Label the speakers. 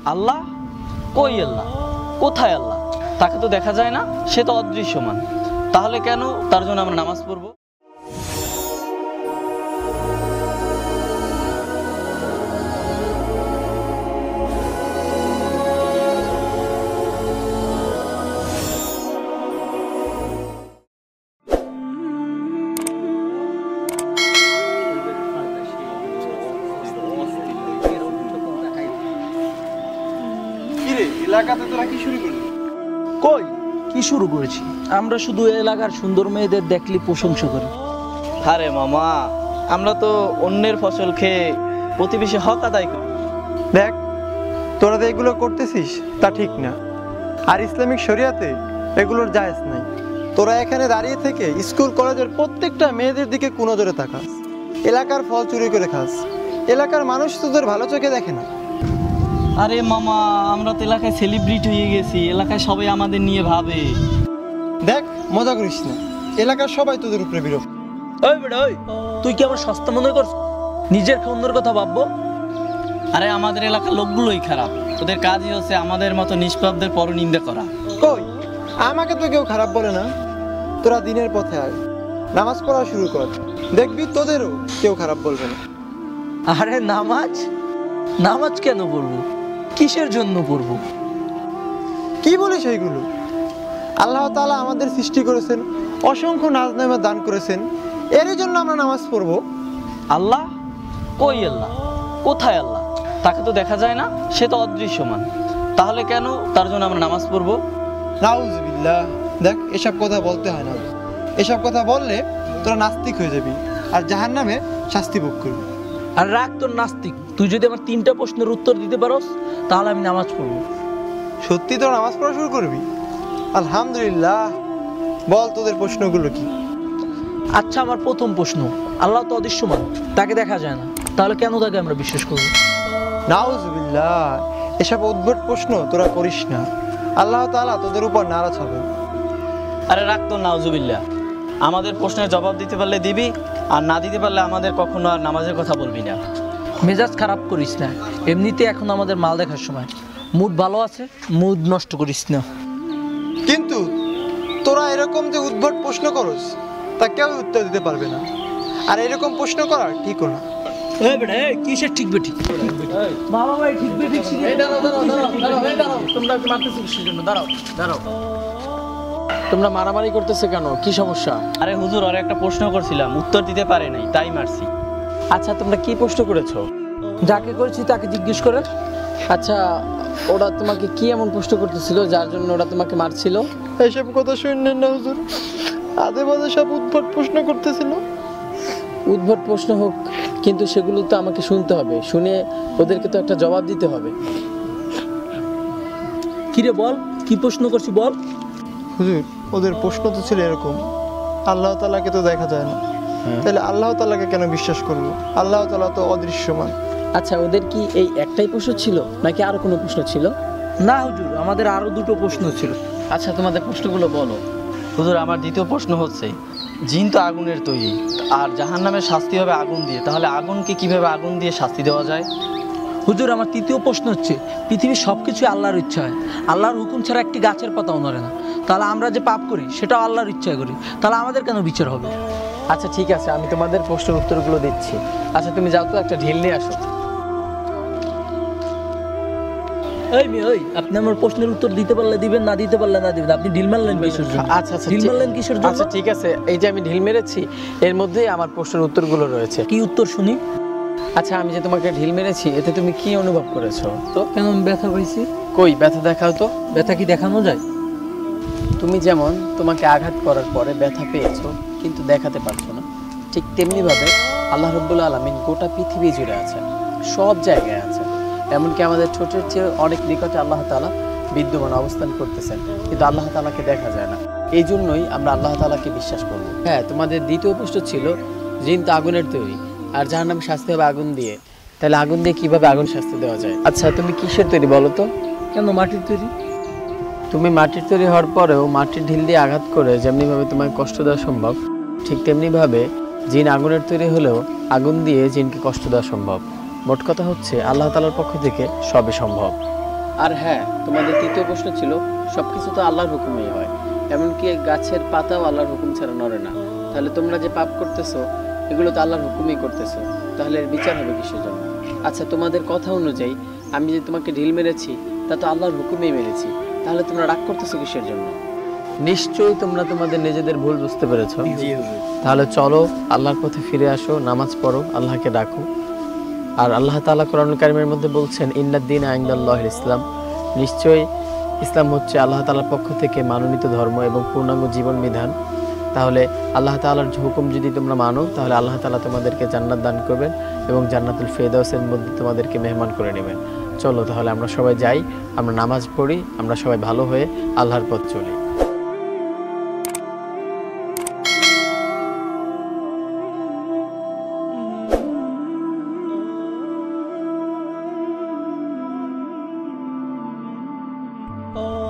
Speaker 1: আল্লাহ? কই আল্লাহ? কোথায় আল্লাহ? তাকে তো দেখা যায় না, সে তো অদৃশ্যমান। তাহলে কেন তার জন্য আমরা নামাজ পড়বো?
Speaker 2: এলাকাতে তোরা কি শুরু করলি?
Speaker 3: কই কি শুরু করেছি? আমরা শুধু এলাকার সুন্দর মেয়েদের দেখলে প্রশংসা করি।
Speaker 1: আরে মামা, আমরা তো অন্যের ফসল খেয়ে প্রতিবেশী হক আদায় করি।
Speaker 2: দেখ, তোরা তো এগুলো করতেছিস তা ঠিক না। আর ইসলামিক শরিয়াতে এগুলোর জায়েজ নাই। তোরা এখানে দাঁড়িয়ে থেকে স্কুল কলেজের প্রত্যেকটা মেয়েদের দিকে কুনজরে তাকাস, এলাকার ফল চুরি করে খাস। এলাকার মানুষ তোদের ভালো চোখে দেখে না।
Speaker 1: আরে মামা, আমরা তো এলাকায় সেলিব্রিটি হয়ে গেছি, এলাকায় সবাই আমাদের নিয়ে ভাবে।
Speaker 2: দেখ, মজা করিস না, এলাকার সবাই তোদের উপরে বিরক্ত।
Speaker 3: ওই বেটা ওই, তুই কি আমার সস্তা মনে করছ? নিজের অন্যের কথা ভাববো?
Speaker 1: আরে আমাদের এলাকার লোকগুলোই খারাপ, ওদের কাজই হচ্ছে আমাদের মতো নিষ্পাপদের পরনিন্দা করা।
Speaker 2: কই, আমাকে তো কেউ খারাপ বলে না। তোরা দিনের পথে আয়, নামাজ পড়া শুরু কর, দেখবি তোদেরও কেউ খারাপ বলবে না।
Speaker 3: আরে নামাজ? নামাজ কেন পড়বো? কিসের জন্য পড়বো?
Speaker 2: কি বলিস এইগুলো? আল্লাহ তাআলা আমাদের সৃষ্টি করেছেন, অসংখ্য নাজ নেমা দান করেছেন, এরই জন্য আমরা নামাজ পড়বো।
Speaker 1: আল্লাহ? কই আল্লাহ? কোথায় আল্লাহ? তাকে তো দেখা যায় না, সে তো অদৃশ্যমান। তাহলে কেন তার জন্য আমরা নামাজ পড়বো?
Speaker 2: নাউজুবিল্লাহ। দেখ, এসব কথা বলতে হয় না। এসব কথা বললে তোরা নাস্তিক হয়ে যাবি আর জাহান্নামে শাস্তি ভোগ করবি।
Speaker 3: আর রাখ তোর নাস্তিক, তুই যদি আমার 3টা প্রশ্নের উত্তর দিতে পারোস তাহলে আমি নামাজ পড়বো।
Speaker 2: সত্যি তোরা নামাজ পড়া শুরু করবি? আলহামদুলিল্লাহ। বল তোদের প্রশ্নগুলো কি?
Speaker 3: আচ্ছা, আমার প্রথম প্রশ্ন, আল্লাহ তো অদৃশ্যমান, তাকে দেখা যায় না, তাহলে কেন তাকে আমরা বিশ্বাস করবো?
Speaker 2: নাউজুবিল্লাহ, এসব উদ্ভট প্রশ্ন তোরা করিস না। আল্লাহ তাআলা তোদের উপর নারাজ হবে।
Speaker 1: আরে রাখ তো নাউজুবিল্লাহ, আমাদের প্রশ্নের জবাব দিতে পারলে দিবি, আর না দিতে পারলে আমাদের কখনো আর নামাজের কথা বলবি না।
Speaker 3: মেজাজ খারাপ করিস না, এমনিতে এখন আমাদের মাল দেখার সময়। মুড ভালো আছে, মুড নষ্ট করিস না।
Speaker 2: কিন্তু তোরা এরকম যে উদ্ভট প্রশ্ন করস তা কেউ উত্তর দিতে পারবে না, আর এরকম প্রশ্ন করা ঠিকও না।
Speaker 3: এই বেটা, এই কিসের ঠিক বেটি? বাবা ভাই, ঠিক বেটি শিখে। এই দাঁড়াও দাঁড়াও দাঁড়াও দাঁড়াও, তোমরা কি মারতেছো কিসের জন্য? দাঁড়াও দাঁড়াও, তোমরা মারামারি করতেছে কেন? কি সমস্যা?
Speaker 1: আরে হুজুর, আর একটা প্রশ্ন করছিলাম, উত্তর দিতে পারে নাই, তাই মারছি।
Speaker 4: আচ্ছা, তোমরা কি প্রশ্ন করেছো?
Speaker 3: যাকে করেছি তাকে জিজ্ঞেস করে।
Speaker 4: আচ্ছা, ওরা তোমাকে কি এমন প্রশ্ন করতেছিল যার জন্য ওরা তোমাকে মারছিল?
Speaker 2: এইসব কথা শুনলেন না হুজুর, আদে বাদে সব উদ্ভট প্রশ্ন করতেছিল।
Speaker 4: উদ্ভট প্রশ্ন হোক, কিন্তু সেগুলো তো আমাকে শুনতে হবে, শুনে ওদেরকে তো একটা জবাব দিতে হবে।
Speaker 3: কিরে বল, কি প্রশ্ন করছি বল।
Speaker 2: হুজুর, ওদের প্রশ্ন তো ছিল এরকম, আল্লাহ তাআলাকে তো দেখা যায় না, তাহলে আল্লাহ তাআলাকে কেন বিশ্বাস করবো? আল্লাহ তাআলা তো অদৃশ্যমান।
Speaker 4: আচ্ছা, ওদের কি এই একটাই প্রশ্ন ছিল নাকি আরো কোনো প্রশ্ন ছিল?
Speaker 3: না হুজুর, আমাদের আরো 2টো প্রশ্ন ছিল।
Speaker 4: আচ্ছা, তোমাদের প্রশ্নগুলো বলো।
Speaker 1: হুজুর, আমার দ্বিতীয় প্রশ্ন হচ্ছে, জিন তো আগুনের তৈরি, আর জাহান্নামের শাস্তি হবে আগুন দিয়ে, তাহলে আগুনকে কিভাবে আগুন দিয়ে শাস্তি দেওয়া যায়?
Speaker 3: হুজুর, আমার তৃতীয় প্রশ্ন হচ্ছে, পৃথিবীর সবকিছুই আল্লাহর ইচ্ছা হয়, আল্লাহর হুকুম ছাড়া একটি গাছের পাতাও নড়ে না, তাহলে আমরা যে পাপ করি সেটাও আল্লাহর ইচ্ছায় করি, তাহলে আমাদের কেন বিচার হবে?
Speaker 4: আচ্ছা ঠিক আছে, আমি তোমাদের প্রশ্নের উত্তরগুলো দিচ্ছি। আচ্ছা, তুমি যাও তো, একটা ঢিল নিয়ে আসো।
Speaker 3: এই মেয়ে, ওই আপনি আমার প্রশ্নের উত্তর দিতে পারলে দিবেন, না দিতে পারলে না দিবেন। আপনি ঢিল মারলেন কিসের জন্য?
Speaker 4: আচ্ছা আচ্ছা,
Speaker 3: ঢিল মারলেন কিসের জন্য?
Speaker 4: আচ্ছা ঠিক আছে, এই যে আমি ঢিল মেরেছি এর মধ্যেই আমার প্রশ্নের উত্তরগুলো রয়েছে।
Speaker 3: কি উত্তর শুনি?
Speaker 4: আচ্ছা, আমি যে তোমাকে ঢিল মেরেছি এতে তুমি কি অনুভব করেছো? তো
Speaker 3: কেন আমি ব্যথা পাইছি?
Speaker 4: কই ব্যথা দেখাও তো।
Speaker 3: ব্যথা কি দেখানো যায়?
Speaker 4: তুমি যেমন তোমাকে আঘাত করার পরে ব্যথা পেয়েছো কিন্তু দেখাতে পারছো না, ঠিক তেমনিভাবে আল্লাহ রাব্বুল আলামিন গোটা পৃথিবী জুড়ে আছেন, সব জায়গায় আছেন, এমনকি আমাদের ছোটের চেয়ে অনেক নিকটে আল্লাহ তাআলা বিদ্যমান অবস্থান করতেছেন, কিন্তু আল্লাহ তাআলাকে দেখা যায় না। এই জন্যই আমরা আল্লাহ তাআলাকে বিশ্বাস করব। হ্যাঁ, তোমাদের দ্বিতীয় প্রশ্ন ছিল, জিন তো আগুনের তৈরি আর জাহান্নামে শাস্তি হবে আগুন দিয়ে, তাহলে আগুন দিয়ে কিভাবে আগুন শাস্তি দেওয়া যায়? আচ্ছা, তুমি কিসের তৈরি বলো তো?
Speaker 3: কেন মাটির তৈরি?
Speaker 4: তুমি মাটির তৈরি হওয়ার পরেও মাটির ঢিল দিয়ে আঘাত করে যেমনিভাবে তোমাকে কষ্ট দেওয়া সম্ভব, ঠিক তেমনিভাবে জিন আগুনের তৈরি হলেও আগুন দিয়ে জিনকে কষ্ট দেওয়া সম্ভব। মোট কথা হচ্ছে আল্লাহ তাআলার পক্ষ থেকে সবই সম্ভব। আর হ্যাঁ, তোমাদের তৃতীয় প্রশ্ন ছিল সবকিছু তো আল্লাহর হুকুমেই হয়, এমনকি গাছের পাতাও আল্লাহর হুকুম ছাড়া নড়ে না। তাহলে তোমরা যে পাপ করতেছো এগুলো তো আল্লাহর হুকুমেই করতেছো, তাহলে এর বিচার হবে কিসের জন্য? আচ্ছা, তোমাদের কথা অনুযায়ী আমি যে তোমাকে ঢিল মেরেছি তা তো আল্লাহর হুকুমেই মেরেছি, তাহলে তোমরা রাগ করতেছো কিসের জন্য? নিশ্চয়ই তোমরা তোমাদের নিজেদের ভুল বুঝতে পেরেছো। তাহলে চলো আল্লাহর পথে ফিরে আসো, নামাজ পড়ো, আল্লাহকে ডাকো। আর আল্লাহ তাআলা কোরআনুল কারীমের মধ্যে বলছেন ইন্নাদ-দীনা ইনদাল্লাহিল ইসলাম, নিশ্চয়ই ইসলাম হচ্ছে আল্লাহ তাআলার পক্ষ থেকে মনোনীত ধর্ম এবং পূর্ণাঙ্গ জীবন বিধান। তাহলে আল্লাহ তাআলার হুকুম যদি তোমরা মানো তাহলে আল্লাহ তাআলা তোমাদেরকে জান্নাত দান করবেন এবং জান্নাতুল ফেরদাউসের মধ্যে তোমাদেরকে মেহমান করে নেবেন। চলো তাহলে আমরা সবাই যাই, আমরা নামাজ পড়ি, আমরা সবাই ভালো হয়ে আল্লাহর পথ চলি।
Speaker 1: ও